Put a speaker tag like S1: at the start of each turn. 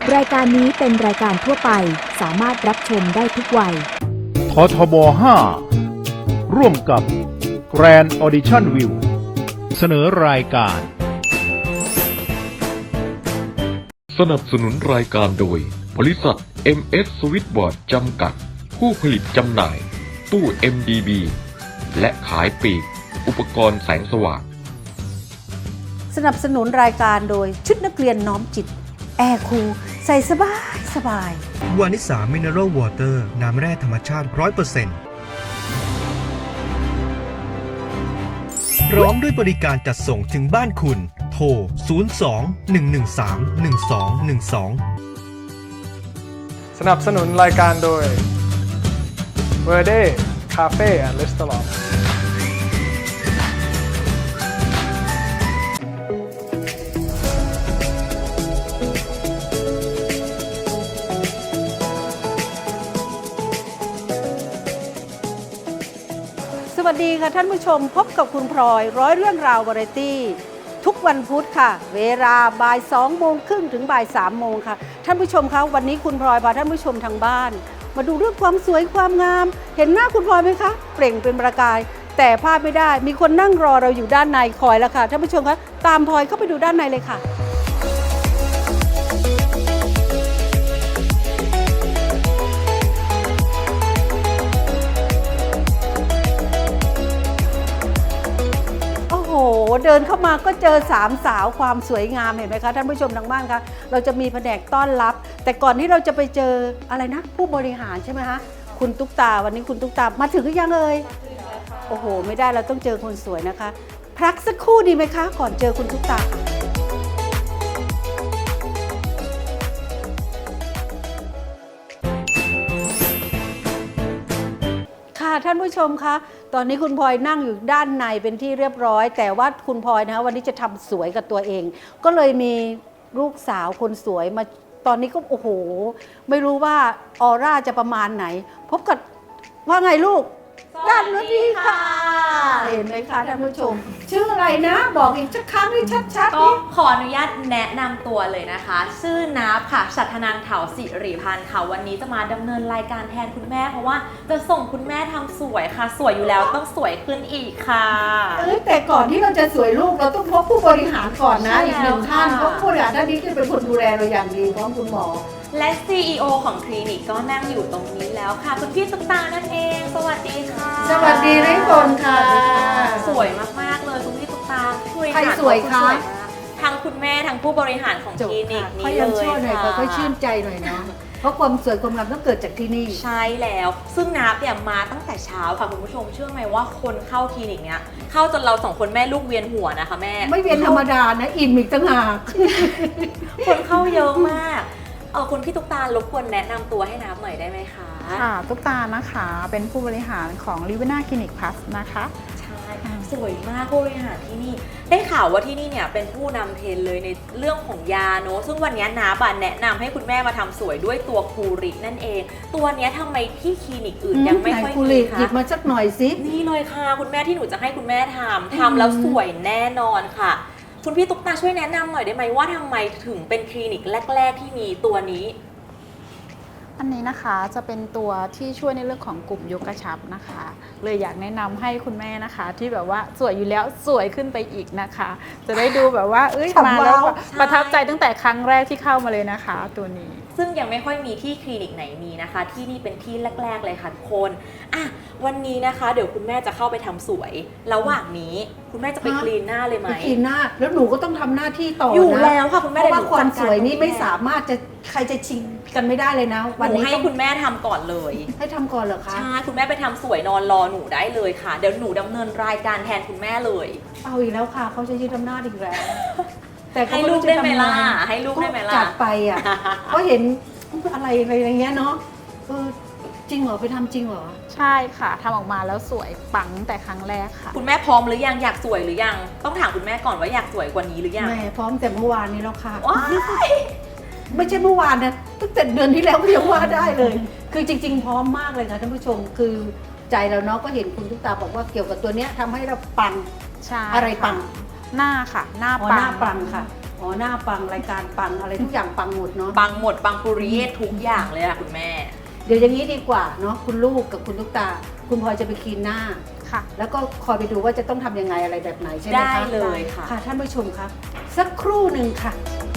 S1: รายการนี้เป็นรายการทั่วไปสามารถรับชมได้ทุกวัย
S2: ททบ 5 ร่วมกับ Grand Audition View เสนอรายการ
S3: สนับสนุนรายการโดยบริษัท MS Switchboard จำกัดผู้ผลิตจำหน่ายตู้ MDB และขายปลีกอุปกรณ์แสงสว่าง
S4: สนับสนุนรายการโดยชุดนักเรียนน้อมจิตแอร์คูลใส่สบายสบายว
S5: านิสามิเนอรัลวอเตอร์น้ำแร่ธรรมชาติ 100%พร้อมด้วยบริการจัดส่งถึงบ้านคุณโทร 02-113-1212
S6: สนับสนุนรายการโดย Verde Cafe and Restaurant
S4: สวัสดีค่ะท่านผู้ชมพบกับคุณพลอยร้อยเรื่องราววาไรตี้ทุกวันพุธค่ะเวลาบ่าย2:30ถึงบ่าย3:00ค่ะท่านผู้ชมคะวันนี้คุณพลอยพาท่านผู้ชมทางบ้านมาดูเรื่องความสวยความงามเห็นหน้าคุณพลอยไหมคะเปล่งเป็นประกายแต่พลาดไม่ได้มีคนนั่งรอเราอยู่ด้านในคอยแล้วค่ะท่านผู้ชมคะตามพลอยเข้าไปดูด้านในเลยค่ะโอ้โหเดินเข้ามาก็เจอสามสาวความสวยงามเห็นไหมคะท่านผู้ชมทางบ้านคะเราจะมีแผนกต้อนรับแต่ก่อนที่เราจะไปเจออะไรนะผู้บริหารใช่ไหมคะคุณตุ๊กตาวันนี้คุณตุ๊กตามาถึงหรือยังเอ่ยโอ้โหไม่ได้เราต้องเจอคนสวยนะคะพักสักครู่ดีไหมคะก่อนเจอคุณตุ๊กตาค่ะท่านผู้ชมคะตอนนี้คุณพลอยนั่งอยู่ด้านในเป็นที่เรียบร้อยแต่ว่าคุณพลอยนะคะวันนี้จะทำสวยกับตัวเองก็เลยมีลูกสาวคนสวยมาตอนนี้ก็โอ้โหไม่รู้ว่าออร่าจะประมาณไหนพบกับว่าไงลูกด้านนี้ดีค่ะเห็นไหมคะท่านผู้ชมชื่ออะไรนะบอกอีกสักครั้งให้ชัดๆ
S7: ก็ขออนุญาตแนะนำตัวเลยนะคะชื่อนับค่ะฉัตรนันท์เถาสิริพันธ์ค่ะวันนี้จะมาดำเนินรายการแทนคุณแม่เพราะว่าจะส่งคุณแม่ทำสวยค่ะสวยอยู่แล้วต้องสวยขึ้นอีกค่ะ
S4: แต่ก่อนที่เราจะสวยลูกเราต้องพบผู้บริหารก่อนนะอีกหนึ่งท่านเพราะผู้บริหารท่านนี้จะเป็นคนดูแลเราอย่างดีพร้อมคุณหมอ
S7: และ CEO ของคลินิกก็นั่งอยู่ตรงนี้แล้วค่ะคุณพี่ตุ๊กตานั่นเองสวัสดีค่ะ
S4: สวัสดีทุกคนค่ะ
S7: สวยมากๆเลยคุณพี่ตุ๊กตา
S4: ใครสวยคะ
S7: ทั้งคุณแม่ทั้งผู้บริหารของคลินิกนี้เลย
S4: ค่ะค่อยชื่นใจหน่อยเนาะเพราะความสวยความงามต้องเกิดจากที่นี่
S7: ใช่แล้วซึ่งนับเนี่ยมาตั้งแต่เช้าค่ะคุณผู้ชมเชื่อไหมว่าคนเข้าคลินิกเนี้ยเข้าจนเราสองคนแม่ลูกเวียนหัวนะคะแม่
S4: ไม่เวียนธรรมดานะอิ่มอีกต่างหาก
S7: คนเข้าเยอะมากคุณพี่ตุ๊กตารบกวนแนะนำตัวให้นับหน่อยได้ไหมคะ
S8: ค่ะตุ๊กตานะคะเป็นผู้บริหารของ Livina Clinic Plus นะคะ
S7: ใช่สวยมากผู้บริหารที่นี่ได้ข่าวว่าที่นี่เนี่ยเป็นผู้นำเทรนเลยในเรื่องของยาเนอะซึ่งวันนี้นับแนะนำให้คุณแม่มาทำสวยด้วยตัวคูรินั่นเองตัวนี้ทำไมที่คลินิกอื่นยังไม่ค่อยมีคะ
S4: หยิบมาสักหน่อยสิ
S7: นี่เลยค่ะคุณแม่ที่หนูจะให้คุณแม่ทำแล้วสวยแน่นอนค่ะคุณพี่ตุ๊กตาช่วยแนะนำหน่อยได้ไหมว่าทำไมถึงเป็นคลินิกแรกๆที่มีตัวนี้
S8: อันนี้นะคะจะเป็นตัวที่ช่วยในเรื่องของกลุ่มยกกระชับนะคะเลยอยากแนะนำให้คุณแม่นะคะที่แบบว่าสวยอยู่แล้วสวยขึ้นไปอีกนะคะจะได้ดูแบบว่ามาแล้วประทับใจตั้งแต่ครั้งแรกที่เข้ามาเลยนะคะตัวนี้
S7: ซึ่งยังไม่ค่อยมีที่คลินิกไหนมีนะคะที่นี่เป็นที่แรกๆเลยค่ะทุกคนวันนี้นะคะเดี๋ยวคุณแม่จะเข้าไปทำสวยระหว่างนี้คุณแม่จะไปคลีนหน้าเลยไหม
S4: คลีนหน้าแล้วหนูก็ต้องทำหน้าที่ต่อ
S7: อยู่แล้วค่ะคุณแม่
S4: เพราะว่าความสวยนี้ไม่สามารถจะใครจะชิงกันไม่ได้เลยนะ
S7: วันนี้ให้คุณแม่ทำก่อนเลย
S4: ให้ทำก่อนเหรอคะ
S7: ใช่คุณแม่ไปทำสวยนอนรอหนูได้เลยค่ะเดี๋ยวหนูดำเนินรายการแทนคุณแม่เลย
S4: เอาอีกแล้วค่ะเขาจะยืดอำนาจอีกแล้ว
S7: แต่ให้ลูกได้ไหมล่ะให้ลูกได้ไหมล่ะ
S4: จัดไปก็เห็นอะไรอย่างเงี้ยเนาะจริงเหรอไปทำจริงเหรอ
S8: ใช่ค่ะทำออกมาแล้วสวยปังแต่ครั้งแรกค่ะ
S7: คุณแม่พร้อมหรือยังอยากสวยหรือยังต้องถามคุณแม่ก่อนว่าอยากสวยกว่านี้หรือยัง
S4: แม่พร้อมแต่เมื่อวานนี้แล้วค่ะไม่ใช่เมื่อวานนะตั้งแต่เดือนที่แล้วก็ยังว่าได้เลยคือจริงๆพร้อมมากเลยค่ะท่านผู้ชมคือใจเราเนาะก็เห็นคุณตุ๊กตาบอกว่าเกี่ยวกับตัวเนี้ยทำให้เราปังอะไรปัง
S8: หน้าค่ะหน้า
S4: ปังค่ะอ๋อหน้าปังรายการปังอะไรทุกอย่างปังหมดเนาะ
S7: ปังหมดปังปุริเยศทุกอย่างเลยอะคุณแม่
S4: เดี๋ยวอย่างนี้ดีกว่าเนาะคุณลูกกับคุณลูกตา คุณพลอยจะไปคลีนหน้า
S8: ค่ะ
S4: แล้วก็คอยไปดูว่าจะต้องทำยังไงอะไรแบบไหนใช่ไหมคะ
S7: ได้เลยค่ะ
S4: ค่ะท่านผู้ชมครับสักครู่หนึ่งค่ะ